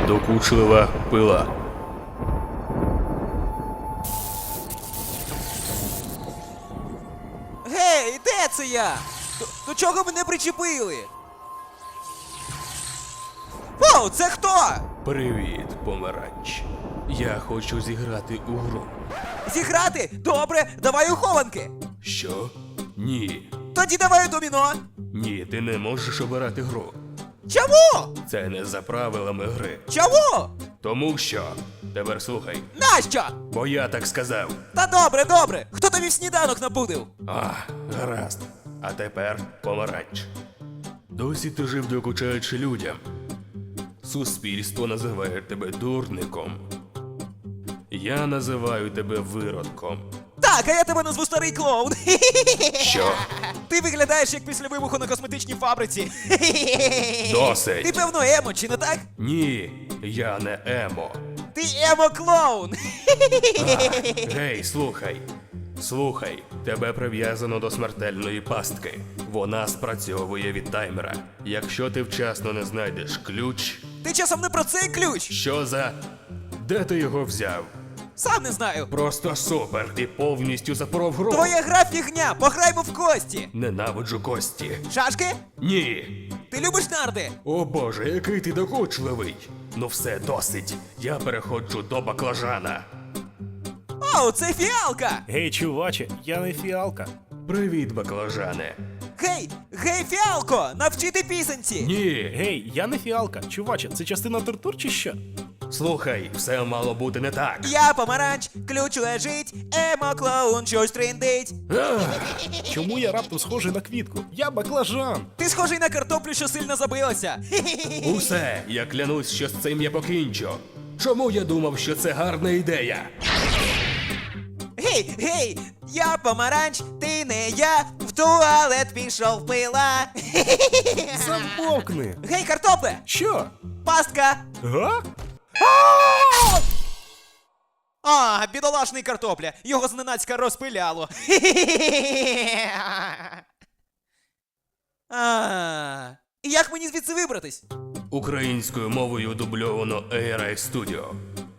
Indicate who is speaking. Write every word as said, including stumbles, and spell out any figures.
Speaker 1: Докучлива пила.
Speaker 2: Гей, де це я? До, до чого мене причепили? О, це хто?
Speaker 1: Привіт, помаранч. Я хочу зіграти у гру.
Speaker 2: Зіграти? Добре, давай у хованки.
Speaker 1: Що? Ні.
Speaker 2: Тоді давай у доміно.
Speaker 1: Ні, ти не можеш обирати гру.
Speaker 2: Чому?
Speaker 1: Це не за правилами гри.
Speaker 2: Чому?
Speaker 1: Тому що. Тепер слухай.
Speaker 2: Нащо?
Speaker 1: Бо я так сказав.
Speaker 2: Та добре, добре. Хто тобі в сніданок напудив?
Speaker 1: А, гаразд. А тепер помаранч. Досі ти жив докучаючи людям. Суспільство називає тебе дурником. Я називаю тебе виродком.
Speaker 2: Так, а я тебе назву старий клоун.
Speaker 1: Що?
Speaker 2: Ти виглядаєш як після вибуху на косметичній фабриці. Ти
Speaker 1: Досить.
Speaker 2: певно емо, чи не так?
Speaker 1: Ні, я не емо.
Speaker 2: Ти емо-клоун.
Speaker 1: Гей, слухай. Слухай, тебе прив'язано до смертельної пастки. Вона спрацьовує від таймера. Якщо ти вчасно не знайдеш ключ.
Speaker 2: Ти часом не про цей ключ?
Speaker 1: Що за. Де ти його взяв?
Speaker 2: Сам не знаю.
Speaker 1: Просто супер, ти повністю запоров гру.
Speaker 2: Твоя гра фігня, пограймо в кості.
Speaker 1: Ненавиджу кості.
Speaker 2: Шашки?
Speaker 1: Ні.
Speaker 2: Ти любиш нарди?
Speaker 1: О боже, який ти докучливий. Ну все, досить. Я переходжу до баклажана.
Speaker 2: О, це фіалка!
Speaker 3: Гей, чуваче, я не фіалка.
Speaker 1: Привіт, баклажане.
Speaker 2: Гей, гей, фіалко, навчити пісенці!
Speaker 1: Ні.
Speaker 3: Гей, я не фіалка. Чуваче, це частина тортур чи що?
Speaker 1: Слухай, все мало бути не так.
Speaker 2: Я помаранч, ключ лежить, емо-клоун щось трендить.
Speaker 1: Ах,
Speaker 3: Чому я раптом схожий на квітку? Я баклажан.
Speaker 2: Ти схожий на картоплю, що сильно забилася.
Speaker 1: усе, я клянусь, що з цим я покінчу. Чому я думав, що це гарна ідея?
Speaker 2: Гей, гей, я помаранч, ти не я, в туалет пішов пила.
Speaker 3: Замовкни.
Speaker 2: Гей, картопле,
Speaker 3: Що?
Speaker 2: пастка.
Speaker 3: Га?
Speaker 2: А, бідолашний картопля, його зненацька розпиляло. А, і як мені звідси вибратись?
Speaker 1: Українською мовою дубльовано ей ар ай Studio.